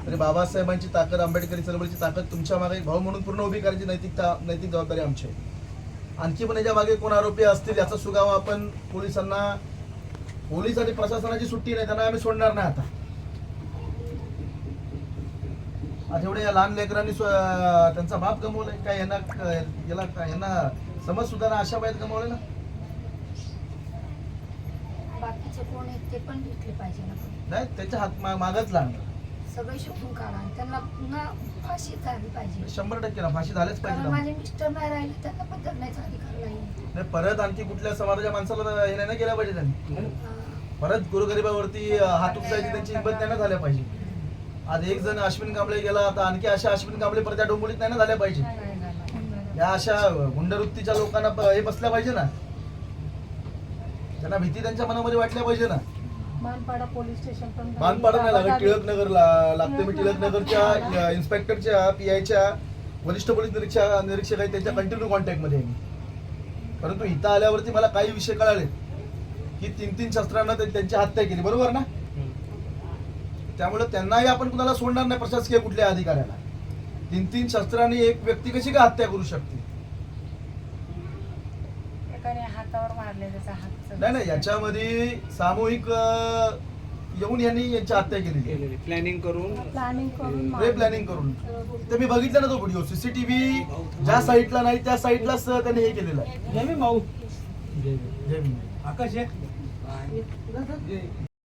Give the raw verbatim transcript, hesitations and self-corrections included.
तरी बाबासाहेबांची ताकद, आंबेडकरी चळवळीची ताकद तुमच्या मागे भाऊ म्हणून पूर्ण उभी करायची नैतिकता नैतिक जबाबदारी आमची आहे. आणखी पण याच्या मागे कोण आरोपी असतील याचा सुगावा आपण पोलिसांना, पोलीस आणि प्रशासनाची सुट्टी नाही, त्यांना आम्ही सोडणार नाही. आता आज एवढे या लहान लेकरांनी त्यांचा बाप गमवलाय काय, यांना याला काय यांना समज सुद्धा ना अशा वयात गमवले ना. बाकीचे कोण आहेत ते पण घेतले पाहिजे ना. नाही त्याच्या हात मागच लागणार, सगळे शोधून काढा, त्यांना पुन्हा फाशी झाली पाहिजे. शंभर टक्के ना फाशी झालेच पाहिजे. माझे मिस्टर नाही राहिले, त्यांना पण जगण्याचा अधिकार नाही. नाही परत आणखी कुठल्या समाजाच्या माणसाला हे नाही केलं पाहिजे त्यांनी. परत गोरगरिबावरती हात उचलायची त्यांची हिंमत नाही ना झाल्या पाहिजे. आज एक जण अश्विन कांबळे गेला, आता आणखी अशा अश्विन कांबळे परत त्या डोंबोलीत नाही ना झाल्या पाहिजे. या अशा गुंडवृत्तीच्या लोकांना हे बसल्या पाहिजे ना, त्यांना भीती त्यांच्या मनामध्ये वाटल्या पाहिजे ना. मानपाडा पोलीस स्टेशन पण मानपाडा नाही लागत, टिळक नगरला लागते. मी टिळक नगरच्या इन्स्पेक्टरच्या पी आयच्या वरिष्ठ पोलीस निरीक्षक निरीक्षक आहेत त्यांच्या कंटिन्यू कॉन्टॅक्ट मध्ये आहे मी. परंतु इथं आल्यावरती मला काही विषय कळाले की तीन तीन शस्त्रांना त्यांची हत्या केली, बरोबर ना. त्यामुळे त्यांनाही आपण कुणाला सोडणार नाही, प्रशासकीय कुठल्या अधिकाऱ्याला. तीन तीन शस्त्रांनी एक व्यक्ती कशी काय हत्या करू शकते. एकाने हातावर मारले, त्याचा हात नाही नाही याच्यामध्ये सामूहिक येऊन यांनी यांची हत्या केली, प्लॅनिंग करून प्लॅनिंग करून प्री प्लॅनिंग करून. ते मी बघितलं ना तो व्हिडिओ, सीसीटीव्ही ज्या साईडला नाही त्या साईडलाच त्यांनी हे केलेलं आहे. जय भीम भाऊ. जय भीम. आकाश आहे.